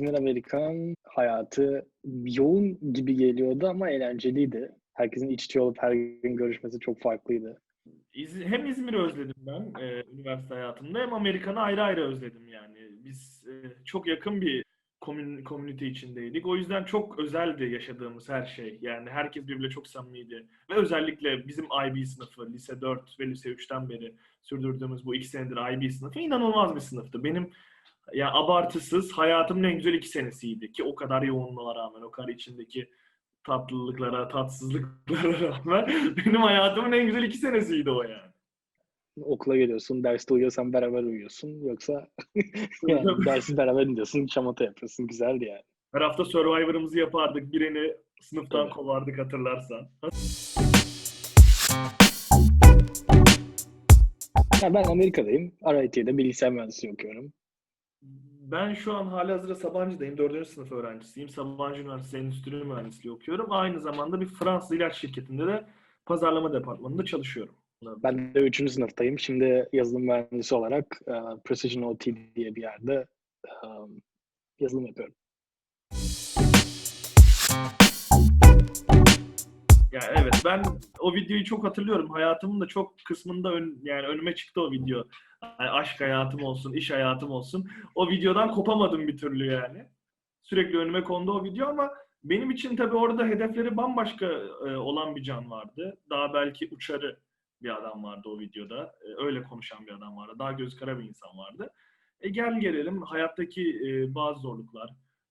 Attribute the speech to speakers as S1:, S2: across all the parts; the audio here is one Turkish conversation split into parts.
S1: İzmir Amerikan hayatı yoğun gibi geliyordu ama eğlenceliydi. Herkesin iç içe olup her gün görüşmesi çok farklıydı.
S2: Hem İzmir'i özledim ben üniversite hayatımda hem Amerikan'ı ayrı ayrı özledim yani. Biz çok yakın bir komünite içindeydik. O yüzden çok özeldi yaşadığımız her şey. Yani herkes birbiriyle çok samimiydi. Ve özellikle bizim IB sınıfı, lise 4 ve lise 3'ten beri sürdürdüğümüz bu 2 senedir IB sınıfı inanılmaz bir sınıftı. Benim ya abartısız hayatımın en güzel 2 senesiydi ki o kadar yoğunluğa rağmen, o kadar içindeki tatlılıklara, tatsızlıklara rağmen benim hayatımın en güzel 2 senesiydi o yani.
S1: Okula geliyorsun, derste uyuyorsan beraber uyuyorsun. Yoksa yani dersi beraber dinliyorsun, şamata yapıyorsun. Güzeldi yani.
S2: Her hafta Survivor'ımızı yapardık. Birini sınıftan
S1: Tabii.
S2: kovardık hatırlarsan.
S1: Ya ben Amerika'dayım. RIT'de bilgisayar mühendisliği okuyorum.
S2: Ben şu an halihazırda Sabancı'dayım. 4. sınıf öğrencisiyim. Sabancı Üniversitesi Endüstri Mühendisliği okuyorum. Aynı zamanda bir Fransız ilaç şirketinde de pazarlama departmanında çalışıyorum.
S1: Ben de 3. sınıftayım. Şimdi yazılım mühendisi olarak Precision OT diye bir yerde yazılım yapıyorum.
S2: Ya evet, ben o videoyu çok hatırlıyorum. Hayatımın da çok kısmında yani önüme çıktı o video. Yani aşk hayatım olsun, iş hayatım olsun. O videodan kopamadım bir türlü yani. Sürekli önüme kondu o video ama benim için tabii orada hedefleri bambaşka olan bir can vardı. Daha belki uçarı bir adam vardı o videoda. Öyle konuşan bir adam vardı. Daha göz kara bir insan vardı. Gel gelelim hayattaki bazı zorluklar,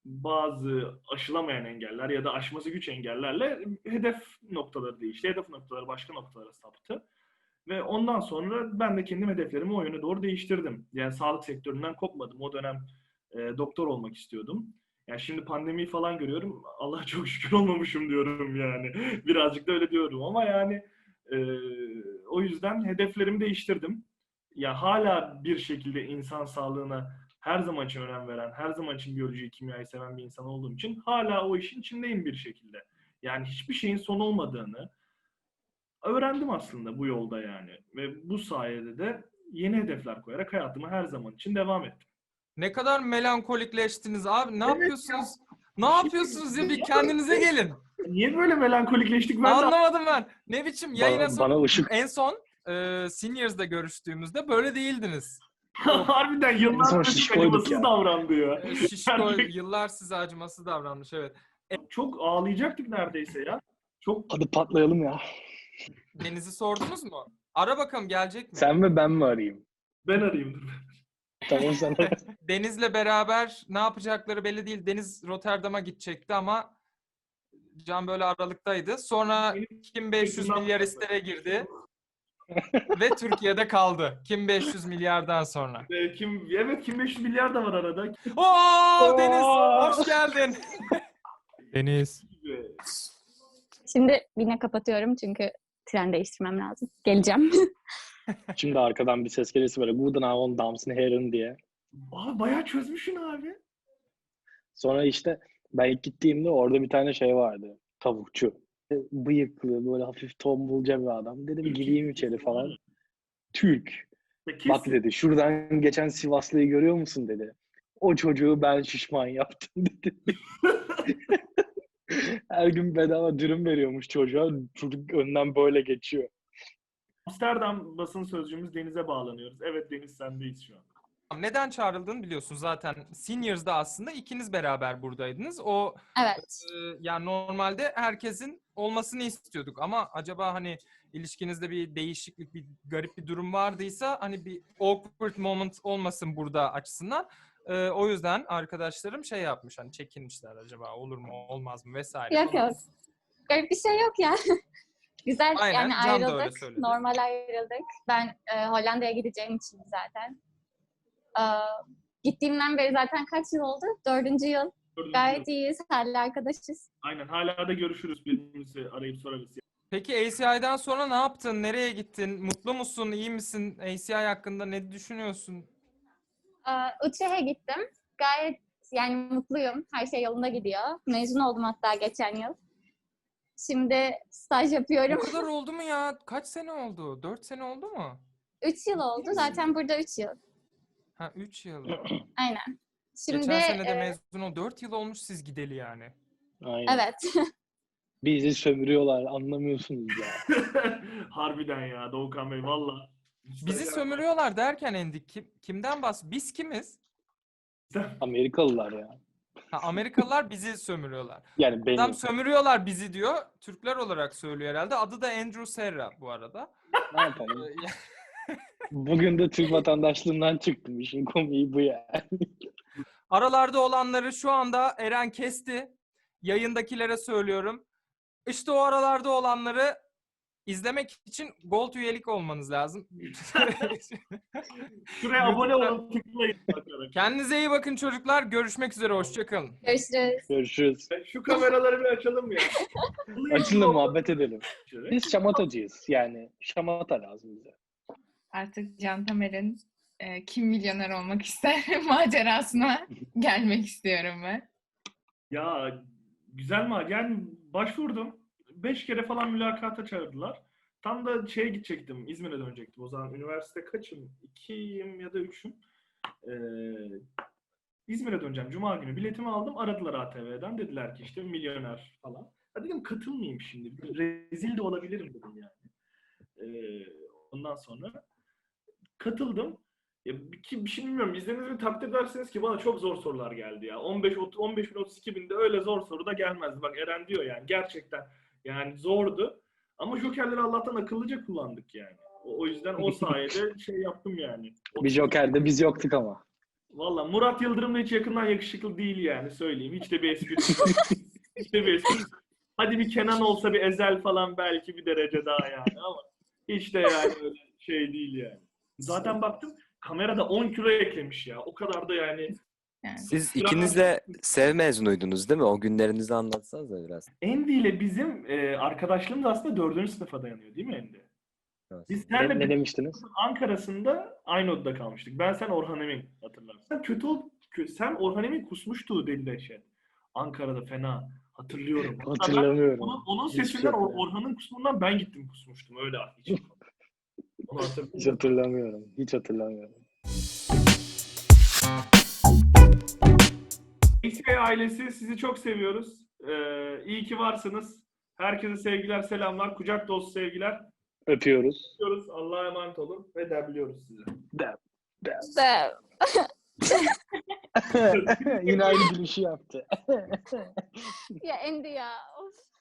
S2: bazı aşılamayan engeller ya da aşması güç engellerle hedef noktaları değişti. Hedef noktaları başka noktalara saptı. Ve ondan sonra ben de kendim hedeflerimi o yöne doğru değiştirdim. Yani sağlık sektöründen kopmadım. O dönem doktor olmak istiyordum. Yani şimdi pandemiyi falan görüyorum. Allah'a çok şükür olmamışım diyorum yani. Birazcık da öyle diyorum ama yani e, o yüzden hedeflerimi değiştirdim. Ya hala bir şekilde insan sağlığına her zaman için önem veren, her zaman için biyolojiyi, kimyayı seven bir insan olduğum için hala o işin içindeyim bir şekilde. Yani hiçbir şeyin son olmadığını öğrendim aslında bu yolda yani. Ve bu sayede de yeni hedefler koyarak hayatıma her zaman için devam ettim.
S3: Ne kadar melankolikleştiniz abi. Ne
S2: Evet
S3: yapıyorsunuz? Ne
S2: Bir şey
S3: yapıyorsunuz ya? Bir kendinize gelin.
S2: Niye böyle melankolikleştik ben de
S3: Anlamadım ben. Ne biçim yayına
S1: Bana ışık
S3: en son Seniors'da görüştüğümüzde böyle değildiniz.
S2: harbiden
S1: en
S2: yıllar
S1: son
S2: size
S1: şişkoyduk
S2: acımasız
S1: ya.
S2: davrandı ya.
S3: Şişko
S2: Yani
S3: yıllar size acımasız davranmış, evet.
S2: çok ağlayacaktık neredeyse ya. Çok
S1: Hadi patlayalım ya.
S3: Deniz'i sordunuz mu? Ara bakalım gelecek mi?
S1: Sen mi ben mi arayayım?
S2: ben arayayım dur.
S1: Tamam sen ara.
S3: Deniz'le beraber ne yapacakları belli değil. Deniz Rotterdam'a gidecekti ama Can böyle aralıktaydı. Sonra Kim 500 milyaristlere girdi ve Türkiye'de kaldı. Kim 500 milyardan sonra.
S2: Kim 500 milyar da var arada.
S3: Oo Deniz, hoş geldin. Deniz.
S4: Şimdi yine kapatıyorum çünkü tren değiştirmem lazım. Geleceğim.
S1: Şimdi arkadan bir ses gelirse böyle Guten Abend Damen und Herren diye.
S2: Aa bayağı çözmüşsün abi.
S1: Sonra işte ben ilk gittiğimde orada bir tane şey vardı. Tavukçu. Bıyıklı böyle hafif tombulca bir adam. Dedim gireyim içeri falan. Türk. Bak dedi şuradan geçen Sivaslıyı görüyor musun dedi. O çocuğu ben şişman yaptım dedi. Her gün bedava dürüm veriyormuş çocuğa. Çocuk önden böyle geçiyor.
S2: Amsterdam basın sözcüğümüz Deniz'e bağlanıyoruz. Evet Deniz sendeyiz şu an.
S3: Neden çağrıldığını biliyorsun zaten. Seniors'da aslında ikiniz beraber buradaydınız. O
S4: Evet.
S3: yani normalde herkesin olmasını istiyorduk ama acaba hani ilişkinizde bir değişiklik, bir garip bir durum vardıysa hani bir awkward moment olmasın burada açısından. O yüzden arkadaşlarım şey yapmış, hani çekinmişler, acaba olur mu olmaz mı vesaire.
S4: Yok yok. Garip bir şey yok ya. Güzel.
S3: Aynen,
S4: yani
S3: Can da öyle
S4: ayrıldık.
S3: söyledi.
S4: Normal ayrıldık. Ben Hollanda'ya gideceğim için zaten. Gittiğimden beri zaten kaç yıl oldu? 4. yıl. Gayet iyiyiz. Hala arkadaşız.
S2: Aynen hala da görüşürüz birbirimizi arayıp sorarız.
S3: Peki ACI'den sonra ne yaptın? Nereye gittin? Mutlu musun? İyi misin? ACI hakkında ne düşünüyorsun?
S4: Utrecht'e gittim. Gayet yani mutluyum. Her şey yolunda gidiyor. Mezun oldum hatta geçen yıl. Şimdi staj yapıyorum.
S3: O kadar oldu mu ya? Kaç sene oldu? 4 sene oldu mu?
S4: 3 yıl oldu. Zaten burada 3 yıl.
S3: Ha 3 yıl.
S4: Aynen. Şimdi
S3: Geçen sene de mezun ol. 4 yıl olmuş siz gideli yani.
S1: Aynen.
S4: evet.
S1: Bizi sömürüyorlar, anlamıyorsunuz ya.
S2: Harbiden ya Doğukan Bey valla.
S3: Bizi sömürüyorlar derken Endi kimden Biz kimiz?
S1: Amerikalılar ya.
S3: Ha, Amerikalılar bizi sömürüyorlar.
S1: Yani beni.
S3: Adam sömürüyorlar bizi diyor. Türkler olarak söylüyor herhalde. Adı da Andrew Serra bu arada.
S1: Ne yapalım? Bugün de Türk vatandaşlığından çıktım. İşin komiği bu ya.
S3: Aralarda olanları şu anda Eren kesti. Yayındakilere söylüyorum. İşte o aralarda olanları izlemek için Gold üyelik olmanız lazım.
S2: Şuraya abone olun tıklayın.
S3: Kendinize iyi bakın çocuklar. Görüşmek üzere. Hoşçakalın.
S4: Görüşürüz.
S1: Görüşürüz.
S2: Şu kameraları bir açalım ya.
S1: Açın muhabbet edelim. Biz şamatacıyız yani. Şamata lazım bize.
S5: Artık Can Tamer'in Kim Milyoner Olmak ister macerasına gelmek istiyorum ben.
S2: Ya güzel mi? Yani başvurdum. 5 kere falan mülakata çağırdılar. Tam da şeye gidecektim. İzmir'e dönecektim. O zaman üniversite kaçım? 2'yim ya da 3'üm. İzmir'e döneceğim. Cuma günü biletimi aldım. Aradılar ATV'den. Dediler ki işte milyoner falan. Ya dedim katılmayayım şimdi. Rezil de olabilirim dedim yani. Ondan sonra katıldım. Ya, bir şey bilmiyorum. İzlediğiniz bir takdir edersiniz ki bana çok zor sorular geldi ya. 15.032 binde öyle zor soru da gelmezdi. Bak Eren diyor yani gerçekten yani zordu. Ama jokerleri Allah'tan akıllıca kullandık yani. O yüzden o sayede şey yaptım yani.
S1: Bir jokerde biz yoktuk ama.
S2: Valla Murat Yıldırım da hiç yakından yakışıklı değil yani söyleyeyim. Hiç de bir espri. Hiç de bir espri. Hadi bir Kenan olsa bir Ezel falan belki bir derece daha yani ama hiç de yani öyle şey değil yani. Zaten baktım kamerada 10 kilo eklemiş ya. O kadar da yani.
S5: Yani.
S6: Siz ikiniz de SEV mezunuydunuz değil mi? O günlerinizi anlatsanız da biraz.
S2: Endi ile bizim arkadaşlığımız aslında 4. sınıfa dayanıyor değil mi Endi?
S6: Evet.
S2: Biz
S1: Ne
S2: seninle
S1: demiştiniz?
S2: Ankara'sında aynı odada kalmıştık. Ben sen Orhan Emin hatırlarsın. Sen Orhan Emin kusmuştu dedi Dehşet. Ankara'da fena. Hatırlıyorum.
S1: Hatırlamıyorum.
S2: Onun
S1: Hiç
S2: sesinden
S1: yok ya.
S2: Orhan'ın kusumundan ben gittim kusmuştum. Öyle hiç. Onu
S1: Hiç
S2: hatırlıyorum.
S1: hatırlamıyorum. Hiç hatırlamıyorum.
S2: XK ailesi sizi çok seviyoruz. İyi ki varsınız. Herkese sevgiler, selamlar. Kucak dolusu sevgiler.
S1: Öpüyoruz.
S2: Öpüyoruz. Allah'a emanet olun ve derbiliyoruz sizi.
S4: Sev.
S1: Yine aynı gülüşü yaptı.
S4: Ya Endi ya. Of.